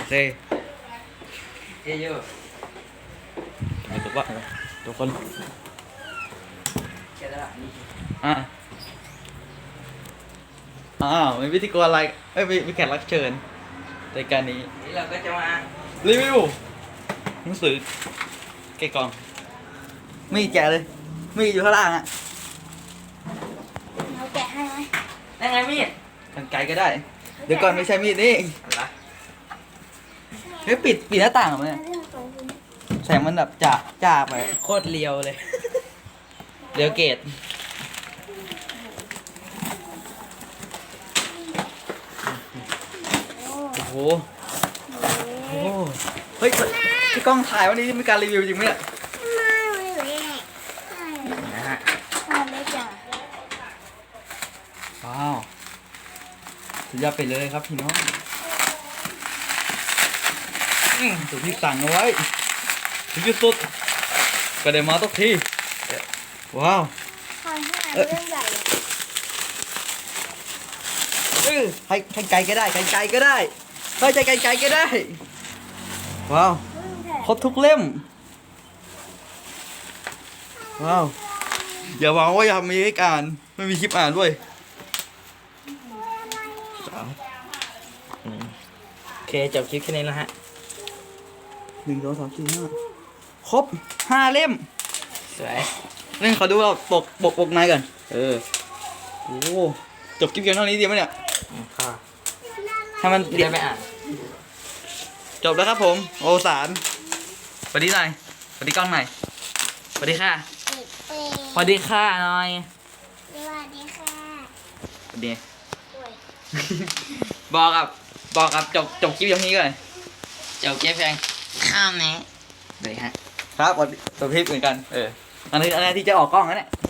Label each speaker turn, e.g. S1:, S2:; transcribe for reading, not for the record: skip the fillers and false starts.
S1: เค
S2: เยอะ
S1: เดี๋ยวว่าทุกคน
S2: ๆแกละนี่
S1: อ่ะอ้าวมีพิธีกรอะไรเอ้ยมีแขกรับเชิญในการนี้
S2: นี่เราก็จะมา
S1: รีวิวหนังสือแกะกล่องมีแกะเลยมีอยู่ข้างล่างอ่ะ
S3: เราแกะให้ไหม
S2: นั่งไงมีด
S1: กันไกลก็ได้ เดี๋ยวก่อนไม่ใช่มีดนี่
S2: อะไร
S1: เฮ้ยปิดหน้าต่างเหรอเนี่ย
S3: เรื่องของคุณ
S1: แสงมันแบบจ้าไป
S2: โคตรเลียวเลย
S1: เดี๋ยวเกต
S3: โอ้
S1: โอ้โห
S3: โห
S1: โอ้โหเฮ้ยพี่กล้องถ่ายวันนี้มีการรีวิวจริงไหมเนี่ย
S3: ไม่เลย
S2: นะฮะ
S3: ไม่เลยจ้ะ
S1: ว้าวสุดยอดไปเลยครับพี่น้องสุดที่สั่งเอาไว้ถึงที่สุดก็ได้มาทุกทีว้าว
S3: คอยให้อ่านเรื่องใหญ่
S1: ให้ไกลก็ได้ไกลก็ได้ให้ใจไกลก็ได้ว้าว
S3: เรื่องแถ
S1: ครบทุกเล่มว้าวอย่าหวังว่าอยากมีให้อ่านไม่มีคลิปอ่านด้วย
S2: โอเคจบคลิปแค่นี้แล้วฮะ
S1: 1 2 3 4 5ครบ5 เล่ม
S2: สวย
S1: เล่นขอดูเราปกในก่อนโอ้โหจบคลิปเพียงเท่านี้ดีไหมเนี่ย
S2: ค่ะ
S1: ให้มัน
S2: เดี๋ยวไปอ่าน
S1: จบแล้วครับผมโอสารสวัสดีหน่อยสวัสดีกล้องหน่อยสวัสดีค่ะ
S3: ปิดเปย์
S2: สวัสดีค่ะหน่อย
S3: สวัสดีค่ะ
S1: สวัสดี
S3: โอ้ย
S1: บอกกับจบคลิปเพียงเท่านี้ก่อน
S2: จบคลิปเพียงข้ามนี้เลยฮะ
S1: ครับจบคลิปเหมือนกันอันนี้ที่จะออกกล้องนะเนี่ย